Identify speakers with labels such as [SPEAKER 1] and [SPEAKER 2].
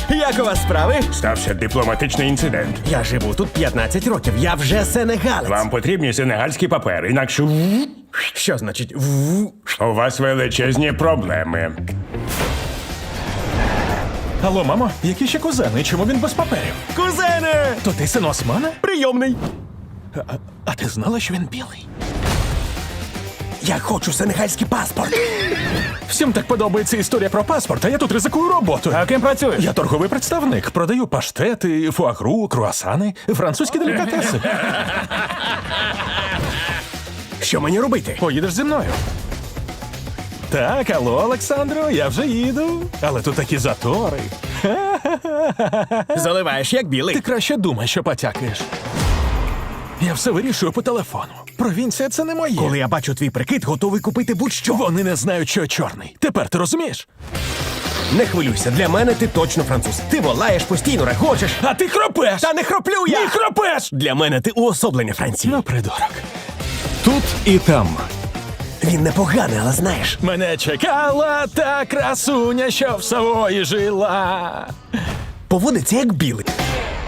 [SPEAKER 1] Як у вас справи?
[SPEAKER 2] Стався дипломатичний інцидент.
[SPEAKER 1] Я живу тут 15 років, я вже сенегалець.
[SPEAKER 2] Вам потрібні сенегальські папери, інакше
[SPEAKER 1] Що значить
[SPEAKER 2] у вас величезні проблеми.
[SPEAKER 3] Алло, мамо, які ще кузени? Чому він без паперів?
[SPEAKER 1] Кузене!
[SPEAKER 3] То ти син Османа?
[SPEAKER 1] Прийомний.
[SPEAKER 3] А ти знала, що він білий?
[SPEAKER 1] Я хочу сенегальський паспорт.
[SPEAKER 3] Всім так подобається історія про паспорт, а я тут ризикую роботою.
[SPEAKER 1] А ким працюєш?
[SPEAKER 3] Я торговий представник. Продаю паштети, фуагру, круасани, французькі делікатеси.
[SPEAKER 1] Що мені робити?
[SPEAKER 3] Поїдеш зі мною. Так, алло, Олександро, я вже їду. Але тут такі затори.
[SPEAKER 1] Заливаєш як білий.
[SPEAKER 3] Ти краще думай, що потякаєш. Я все вирішую по телефону. Провінція — це не моє.
[SPEAKER 1] Коли я бачу твій прикид, готовий купити будь-що.
[SPEAKER 3] Вони не знають, що я чорний. Тепер ти розумієш?
[SPEAKER 1] Не хвилюйся, для мене ти точно француз. Ти волаєш, постійно регочеш.
[SPEAKER 3] А ти хропеш!
[SPEAKER 1] Та не хроплю я!
[SPEAKER 3] Ні, хропеш!
[SPEAKER 1] Для мене ти уособлення Франції.
[SPEAKER 3] Ну, придурок.
[SPEAKER 4] Тут і там.
[SPEAKER 1] Він непоганий, але знаєш.
[SPEAKER 3] Мене чекала та красуня, що в Савої жила.
[SPEAKER 1] Поводиться як білий.